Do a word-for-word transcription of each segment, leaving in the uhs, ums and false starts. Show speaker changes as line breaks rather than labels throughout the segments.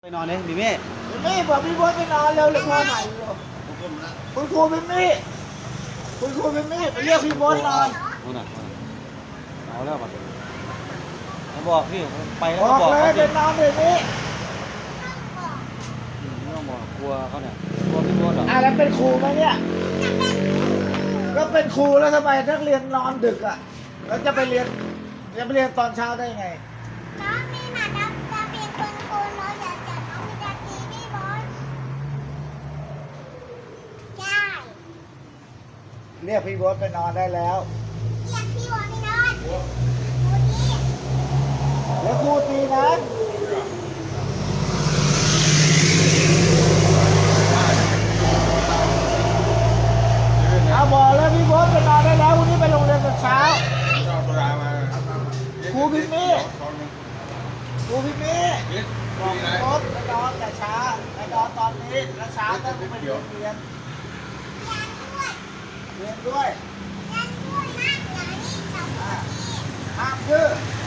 นอนเลยมิมี่
มิมี่บอกพี่บอสไปนอนเร็วเลยพ่อใหม่คุณครูมิมี่คุณครูมิมี่ไปเรียกพี่บอสนอน
นู่นน่ะเอาแล้วป่ะเขาบอกพี่ไปแล้ว
บ
ก็
อก
บอก
เลย
เขาสิ
ไปนอนเดี๋ยวนี้
ไม่ต้องบอกกลัวเขาเนี่ยกลัวพี่บอสเหรอ
อ่ะแล้วเป็นครูไหมเนี่ยก็เป็นครูแล้วทำไมนักเรียนนอนดึกอ่ะแล้วจะไปเรียนจะไปเรียนตอนเช้าได้ไง
น้องมีหมาจะจะเป็นคนโกนน้องอยากจะน้องมีจะตีพี่บอสใช่
เรียกพี่บอสไปนอนได้แล้ว
เรียกพี่บอสไปนอนครูนี่
แล้วครูตีนะเอาบอกแล้วพี่บอสไปนอนได้แล้ววันนี้ไปโรงเรียนตอนเช้าครูพิมมี่ครูพิมมี่บอกพี่บอสไปนอนแต่เช้าไปนอนตอนนี้แล้วเช้าต้องไปเรียนเรียนเรียนด้วย
เรียนด้วยนะเดี๋ยวนี้จะพูดดี
ห้ามดื้อ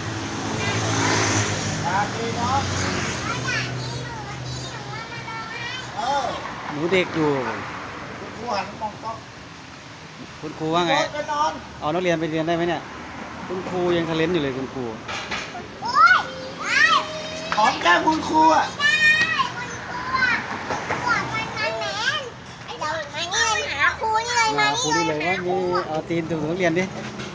อย่าตีน้อง
เพราะอย่างนี้หนูวันนี้หนูว่ามาร้องไห้
เออ
หนูเด็กอยู่
คุณครูหันมองกล้อง
คุณครูว่าไง
พี่บอสไปนอน
เอานักเรียนไปเรียนได้ไหมเนี่ยคุณครูยังทะเลนอยู่เลยคุณครู
โอ๊ยได้
หอมแก้มคุณครูอ่ะ
ได้คุณครูอ่ะขวดมันมันแมนไอ้เดี๋ยวมานี่เลยหาครูนี่เลย
มา
มา
ครู
นี่
นี่
เล
เลย ย
หา
ว่า
ครู
นี่เอาตีนถูนักเรียนดิ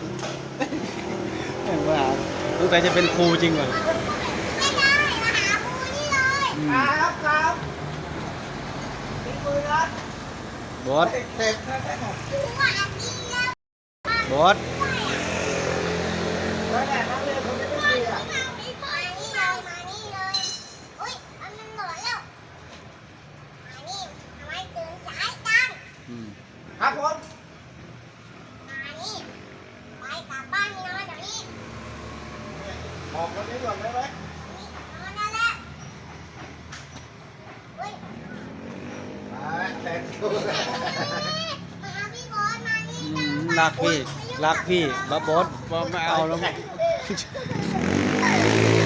เห็นว่าสงสัยจะเป็นครูจริงว่ะ
ไม่ได้มาหาครูนี่เลย
อืม
ครับครับตีมือนะ
บอส
เต็มนะแม่
ครูอ่ะดีแล้ว
บอส
แล้วแหละนักเรียนคนนี้ไม่ดีอ่ะ
มานี่เลยมานี่เลยอุ้ยมันมันหมดแล้วมานี่ทำไมตื่นสายจัง
อืม
ครับผม
มานี่ไปกลับบ้านนอนเดี๋ยวนี้
ออกคนนี้ก่อนได้ไหม
นี่นอนแล้วแหละอุ้ย
มาแต่งตัว
มาหาพี่บอสมานี่
อืมรักพี่รักพี่บอสบอสบอสไม่เอาแล้ว
แต่ง